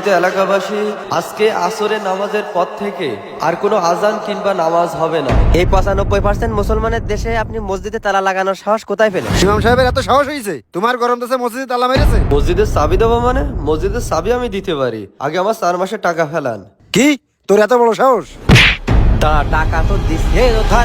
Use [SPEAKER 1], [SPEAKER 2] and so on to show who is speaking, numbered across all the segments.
[SPEAKER 1] সম্মানিত এলাকাবাসী, আজকে আসরের নামাজের পর থেকে আর কোনো আজান কিংবা নামাজ হবে না।
[SPEAKER 2] এই 95% মুসলমানের দেশে আপনি মসজিদে তালা লাগানোর সাহস কোথায় পেলেন?
[SPEAKER 3] ইমাম সাহেবের এত সাহস হয়েছে তোমার গরম দেশে মসজিদে তালা মেরেছে?
[SPEAKER 1] মসজিদের চাবি দেবো মানে? মসজিদের চাবি আমি দিতে পারি, আগে আমার 4 মাসের টাকা ফেলান।
[SPEAKER 3] কি তোর এত বড় সাহস?
[SPEAKER 2] টাকা তো দিচ্ছে ধর।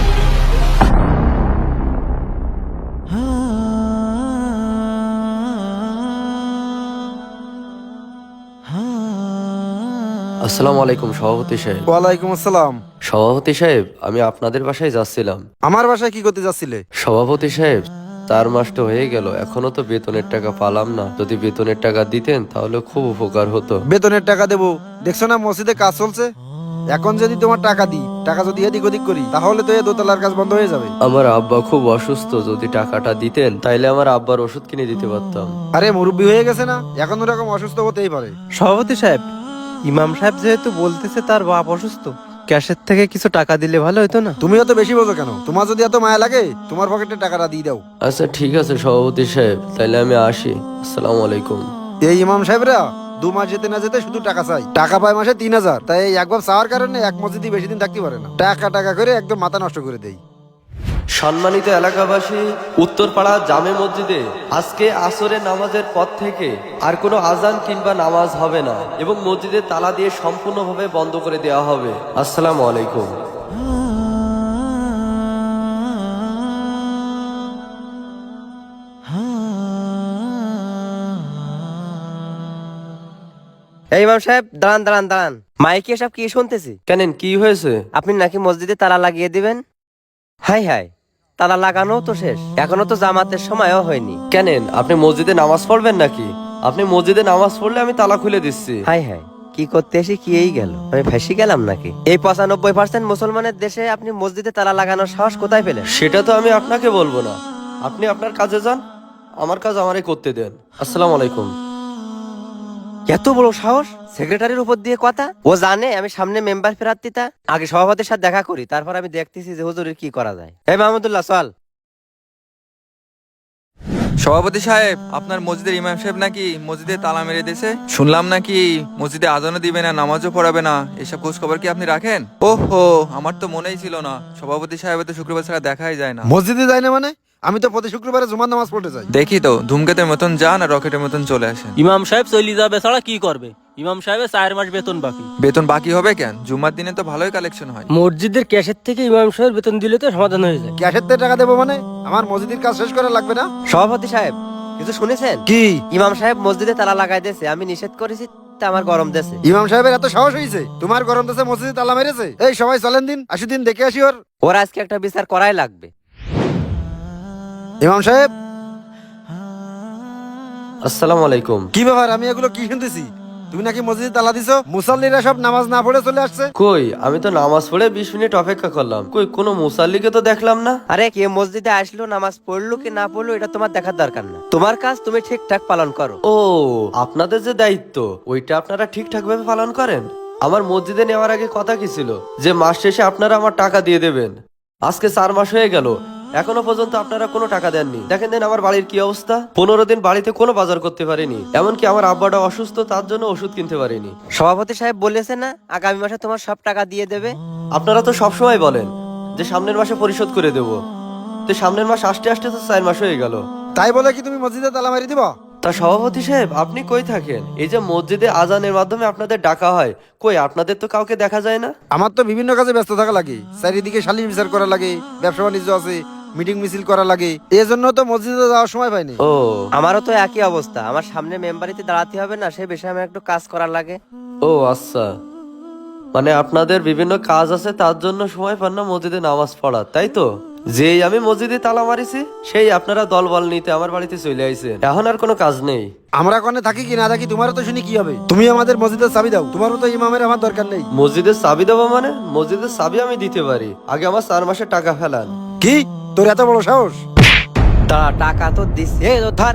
[SPEAKER 1] আসসালামু আলাইকুম সভাপতি সাহেব।
[SPEAKER 3] ওয়ালাইকুম আসসালাম।
[SPEAKER 1] সভাপতি সাহেব, আমি আপনাদের বাসায় যাচ্ছিলাম।
[SPEAKER 3] আমার বাসায় কি করতে যাচ্ছিলে?
[SPEAKER 1] সভাপতি সাহেব, 4 মাস তো হয়ে গেল, এখনো তো বেতনের টাকা পালাম না। যদি বেতনের টাকা দিতেন তাহলে খুব উপকার হতো।
[SPEAKER 3] বেতনের টাকা দেবো? দেখছো না মসজিদে কাজ চলছে। এখন যদি তোমার টাকা দিই, টাকা যদি এদিক ওদিক করি, তাহলে তো এই দোতলার কাজ বন্ধ হয়ে যাবে।
[SPEAKER 1] আমার আব্বা খুব অসুস্থ, যদি টাকাটা দিতেন তাইলে আমার আব্বার ওষুধ কিনে দিতে পারতাম।
[SPEAKER 3] আরে মুরব্বি হয়ে গেছে না, এখন ওরকম অসুস্থ হতেই পারে।
[SPEAKER 4] সভাপতি সাহেব, ইমাম সাহেব যেহেতু বলতেছে তার বাপ অসুস্থ, ক্যাশের থেকে কিছু টাকা দিলে ভালো হতো না?
[SPEAKER 3] তুমিও তো বেশি বোঝো কেন? তোমার যদি এত মায়া লাগে, তোমার পকেটে টাকাটা দিয়ে দাও।
[SPEAKER 1] আচ্ছা ঠিক আছে সভাপতি সাহেব, তাইলে আমি আসি। আসসালামু আলাইকুম।
[SPEAKER 3] এই ইমাম সাহেবরা 2 মাস যেতে না যেতে শুধু টাকা চাই। টাকা পায় মাসে 3000, তাই এই একবার চাওয়ার কারণে এক মসজিদে বেশি দিন থাকতে পারে না। টাকা টাকা করে একদম মাথা নষ্ট করে দেয়।
[SPEAKER 1] সম্মানিত এলাকাবাসী, উত্তরপাড়া জামে মসজিদে আজকে আসরের নামাজের পর থেকে আর কোনো আজান কিংবা নামাজ হবে না এবং মসজিদের তালা দিয়ে সম্পূর্ণভাবে বন্ধ করে দেওয়া হবে। আসসালামু আলাইকুম।
[SPEAKER 2] এই ইমাম সাহেব, দাঁড়ান দাঁড়ান দাঁড়ান। মাইকে এসব কি শুনতেছি?
[SPEAKER 1] কেন, কি হয়েছে?
[SPEAKER 2] আপনি নাকি মসজিদে তালা লাগিয়ে দিবেন? হাই হাই, তালা লাগানো তো শেষ, এখনো তো জামাতের সময়ও হয়নি।
[SPEAKER 1] কেন, আপনি মসজিদে নামাজ পড়বেন নাকি? আপনি মসজিদে নামাজ পড়লে আমি তালা খুলে দিচ্ছি।
[SPEAKER 2] হাই হাই, কি করতে এসে কি এই গেল, আমি ফাঁসি গেলাম নাকি? এই 95% মুসলমানের দেশে আপনি মসজিদে তালা লাগানোর সাহস কোথায় পেলেন?
[SPEAKER 1] সেটা তো আমি আপনাকে বলবো না, আপনি আপনার কাজে যান, আমার কাজ আমারই করতে দেন। আসসালামু আলাইকুম।
[SPEAKER 2] এত বড় সাহস! সেক্রেটারির উপর দিয়ে কথা! ও জানে আমি সামনে মেম্বার প্রার্থীতা। আগে সভাপতির সাথে দেখা করি, তারপর আমি দেখতেছি যে হুজুরের কি করা যায়। এই মাহমুদুল্লাহ, চল।
[SPEAKER 5] সভাপতি সাহেব, আপনার মসজিদের ইমাম সাহেব নাকি মসজিদে তালা মেরে দিয়েছে। শুনলাম নাকি মসজিদে আজানও দিবে না, নামাজও পড়াবে না। এসব খোঁজ খবর কি আপনি রাখেন? ওহো, আমার তো মনেই ছিল না। সভাপতি সাহেবের তো শুক্রবার ছাড়া দেখাই যায় না।
[SPEAKER 3] মসজিদে যায় না মানে? আমি তো প্রতি শুক্রবারে জুমার নামাজ পড়তে যাই।
[SPEAKER 5] দেখি তো, ধূমকেতের মতন যান আর রকেটের মতন চলে আসেন।
[SPEAKER 6] ইমাম সাহেব চলে যাবে ছাড়া কি করবে? ইমাম সাহেবের 4 মাস বেতন বাকি।
[SPEAKER 5] বেতন বাকি হবে কেন? জুম্মার দিনে তো ভালোই কালেকশন হয়।
[SPEAKER 6] মসজিদের ক্যাশের থেকে ইমাম সাহেবের বেতন দিলে তো সমাধান হয়ে যায়।
[SPEAKER 3] ক্যাশের থেকে টাকা দেবো মানে? আমার মসজিদের কাজ শেষ করা লাগবে না?
[SPEAKER 2] সভাপতি সাহেব, কিছু শুনেছেন?
[SPEAKER 3] কি?
[SPEAKER 2] ইমাম সাহেব মসজিদে তালা লাগাই দিয়েছে, আমি নিষেধ করেছি, তা আমার গরম দেশে।
[SPEAKER 3] ইমাম সাহেবের এত সাহস হয়েছে তোমার গরম দেশে মসজিদে তালা মেরেছে? এই সবাই চলেন দিন, আসি দিন দেখে আসি ওর।
[SPEAKER 2] ওর আজকে একটা বিচার করাই লাগবে।
[SPEAKER 3] ইমাম সাহেব,
[SPEAKER 1] আসসালামু আলাইকুম।
[SPEAKER 3] কি ব্যাপার? আমি এগুলো কি শুনতেছি? তুমি নাকি মসজিদে তালা দিছো? মুসাল্লিরা সব নামাজ না পড়ে চলে আসছে।
[SPEAKER 1] কই, আমি তো নামাজ পড়ে 20 মিনিট অপেক্ষা করলাম, কই কোনো মুসাল্লিকে তো দেখলাম না।
[SPEAKER 2] আরে কে মসজিদে আসলো, নামাজ পড়লো কি না পড়লো, এটা তোমার দেখার দরকার না। তোমার কাজ তুমি ঠিকঠাক পালন করো।
[SPEAKER 1] ও, আপনাদের যে দায়িত্ব ওইটা আপনারা ঠিকঠাক ভাবে পালন করেন। আমার মসজিদে নেওয়ার আগে কথা কি ছিল যে মাস শেষে আপনারা আমার টাকা দিয়ে দেবেন। আজকে 4 মাস হয়ে গেল, এখনো পর্যন্ত আপনারা কোনো টাকা দেননি। দেখেন দেন আমার বাড়ির কি অবস্থা, 15 দিন বাড়িতে কোনো বাজার করতে পারিনি, এমনকি আমার আব্বাটা অসুস্থ, তার জন্য ওষুধ কিনতে পারিনি।
[SPEAKER 2] সভাপতি সাহেব বলেছে না আগামী মাসে তোমার সব টাকা দিয়ে দেবে?
[SPEAKER 1] আপনারা তো সবসময় বলেন যে সামনের মাসে পরিশোধ করে দেব, তো সামনের মাস আসতে আসতে তো 4 মাস হয়ে গেল।
[SPEAKER 3] তাই বলে কি তুমি মসজিদে তালা মারি দিবা?
[SPEAKER 1] তা সভাপতি সাহেব, আপনি কই থাকেন? এই যে মসজিদে আজানের মাধ্যমে আপনাদের ডাকা হয়, কই আপনাদের তো কাউকে দেখা যায় না।
[SPEAKER 3] আমার তো বিভিন্ন কাজে ব্যস্ত থাকা লাগে, চারিদিকে সালিশ বিচার করা লাগে, ব্যবসা বাণিজ্য আছে, মিটিং মিছিল করা লাগে, এই জন্য তো মসজিদে যাওয়ার সময় পাইনি।
[SPEAKER 1] ও,
[SPEAKER 2] আমারও তো একই অবস্থা, আমার সামনে মেম্বারিতে দাঁড়াতে হবে না, সেই বিষয়ে আমার একটু কাজ করার লাগে।
[SPEAKER 1] ও আচ্ছা, মানে আপনাদের বিভিন্ন কাজ আছে, তার জন্য সময় পান না মসজিদে নামাজ পড়া, তাই তো? যেই আমি মসজিদে তালা মারিছি সেই আপনারা দলবল নিতে আমার বাড়িতে চলে আইছেন, এখন আর কোনো কাজ নেই।
[SPEAKER 3] আমরা কোনে থাকি কি না থাকি তোমারও তো শুনি কি হবে? তুমি আমাদের মসজিদের চাবি দাও, তোমার মতো ইমামের আমার দরকার নেই।
[SPEAKER 1] মসজিদের চাবি দেবো মানে? মসজিদের চাবি আমি দিতে পারি, আগে আমার 4 মাসের টাকা ফেলান।
[SPEAKER 3] কি তোর এত বড় সাহস?
[SPEAKER 2] টাকা তো দিচ্ছে ধর।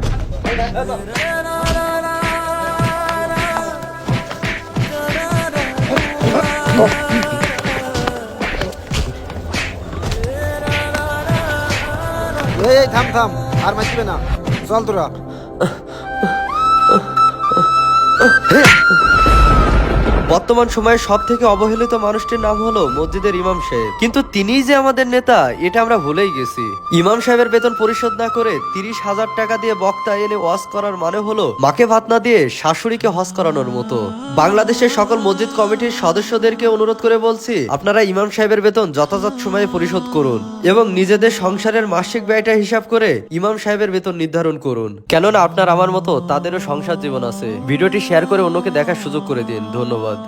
[SPEAKER 3] এই থাম থাম, আর মারবে না, চল তোরা।
[SPEAKER 1] বর্তমান সময়ে সব থেকে অবহেলিত মানুষটির নাম হলো মসজিদের ইমাম সাহেব, কিন্তু তিনিই যে আমাদের নেতা এটা আমরা ভুলেই গেছি। ইমাম সাহেবের বেতন পরিশোধ না করে 30,000 টাকা দিয়ে বক্তা এনে ওয়াজ করার মানে হলো মাকে ভাত না দিয়ে শাশুড়িকে হজ করানোর মতো। বাংলাদেশের সকল মসজিদ কমিটির সদস্যদেরকে অনুরোধ করে বলছি, আপনারা ইমাম সাহেবের বেতন যথাযথ সময়ে পরিশোধ করুন এবং নিজেদের সংসারের মাসিক ব্যয়টা হিসাব করে ইমাম সাহেবের বেতন নির্ধারণ করুন, কেননা আপনার আমার মতো তাদেরও সংসার জীবন আছে। ভিডিওটি শেয়ার করে অন্যকে দেখার সুযোগ করে দিন। ধন্যবাদ।